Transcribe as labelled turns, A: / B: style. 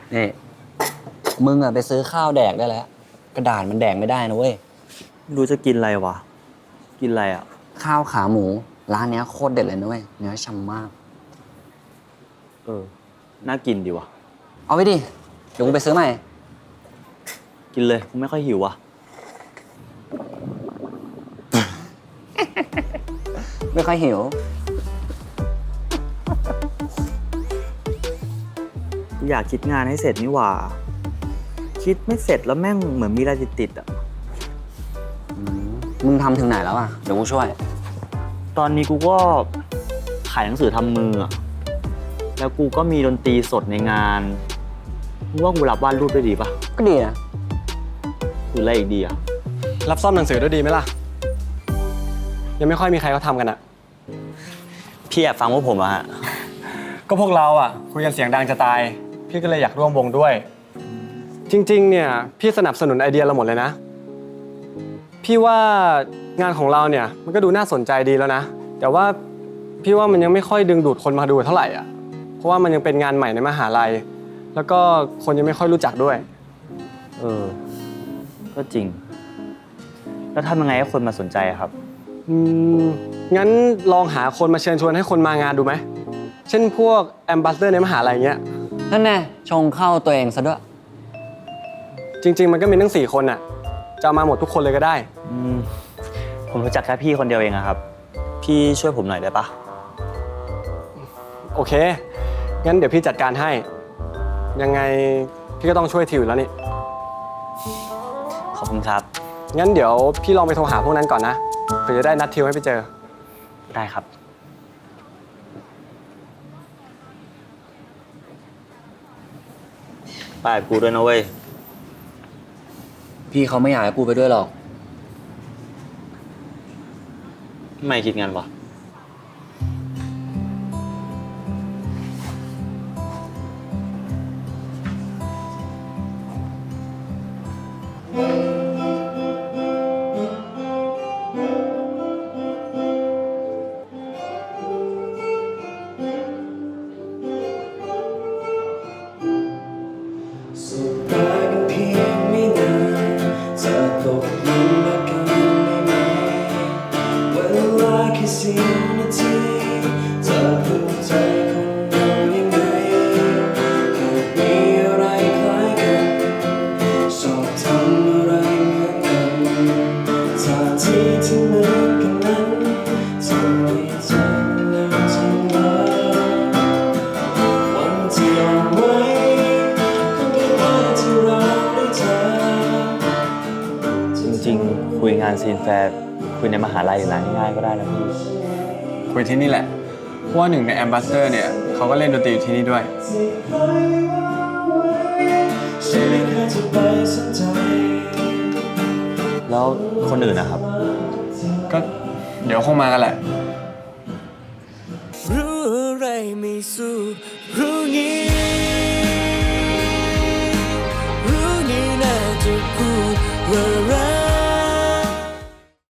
A: นี่มึงอะไปซื้อข้าวแดกได้แล้วกระดาษมันแดกไม่ได้นะเว้ย
B: ไม่รู้จะกินอะไรวะกินอะไรอ่ะ
A: ข้าวขาหมูร้านเนี้ยโคตรเด็ดเลยนะเว้ยเนื้อฉ่ำมาก
B: น่ากินดีวะ
A: เอาไปดิเดี๋ยวกูไปซื้อใหม่
B: กินเลยกูไม่ค่อยหิวว่ะ
A: ไม่ค่อยหิว
B: กูอยากคิดงานให้เสร็จนี่หว่าคิดไม่เสร็จแล้วแม่งเหมือนมีอะไรติดๆอ่ะ
A: มึงทำถึงไหนแล้วอ่ะเดี๋ยวกูช่วย
B: ตอนนี้กูก็ขายหนังสือทำมืออ่ะแล้วกูก็มีดนตรีสดในงานมึงว่ากูรับวาดรูปได้ดีปะ
A: ก็ดีนะ
B: หรืออะไรอีกดีอ่ะ
C: รับซ่อมหนังสือด้วยดีไหมล่ะยังไม่ค่อยมีใครเขาทำกันอะ
B: พี่แอบฟังพวกผมอะฮะ
C: ก็พวกเราอะคุยกันเสียงดังจะตายพี่ก็เลยอยากร่วมวงด้วยจริงๆเนี่ยพี่สนับสนุนไอเดียเราหมดเลยนะพี่ว่างานของเราเนี่ยมันก็ดูน่าสนใจดีแล้วนะแต่ว่าพี่ว่ามันยังไม่ค่อยดึงดูดคนมาดูเท่าไหร่อ่ะเพราะว่ามันยังเป็นงานใหม่ในมหาลัยแล้วก็คนยังไม่ค่อยรู้จักด้วย
B: ก็จริงแล้วทำยังไงให้คนมาสนใจอะครับ
C: งั้นลองหาคนมาเชิญชวนให้คนมางานดูไหมเช่นพวกแอมบาสเดอร์ในมหาลัยเงี้ย
A: นั่นแน่ชงเข้าตัวเองซะด้วย
C: จริงๆมันก็มีทั้ง4 คนน่ะจะมาหมดทุกคนเลยก็ได้
B: ผมรู้จักแค่พี่คนเดียวเองอะครับพี่ช่วยผมหน่อยได้ปะ
C: โอเคงั้นเดี๋ยวพี่จัดการให้ยังไงพี่ก็ต้องช่วยทิวแล้วนี่
B: ขอบคุณครับ
C: งั้นเดี๋ยวพี่ลองไปโทรหาพวกนั้นก่อนนะเพื่อจะได้นัดทิวให้ไปเจอ
B: ได้ครับไปกูด้วยนะเว้ย
A: พี่เขาไม่อยากให้กูไปด้วยหรอก
B: ไม่คิดงั้นวะคุยงานซีนแฟร์คุยในมหาลัยหรือร้านง่ายๆก็ได้นะพี่
C: คุยที่นี่แหละเพราะว่าหนึ่งในแอมบาสเดอร์เนี่ยเขาก็เล่นดนตรีอยู่ที่นี่ด้วย
B: แล้วคนอื่นนะครับ
C: ก็เดี๋ยวคงมากันแหละ
D: รู้อะไรไม่สู้รู้งี้รู้งี้น่าจะพูดว่า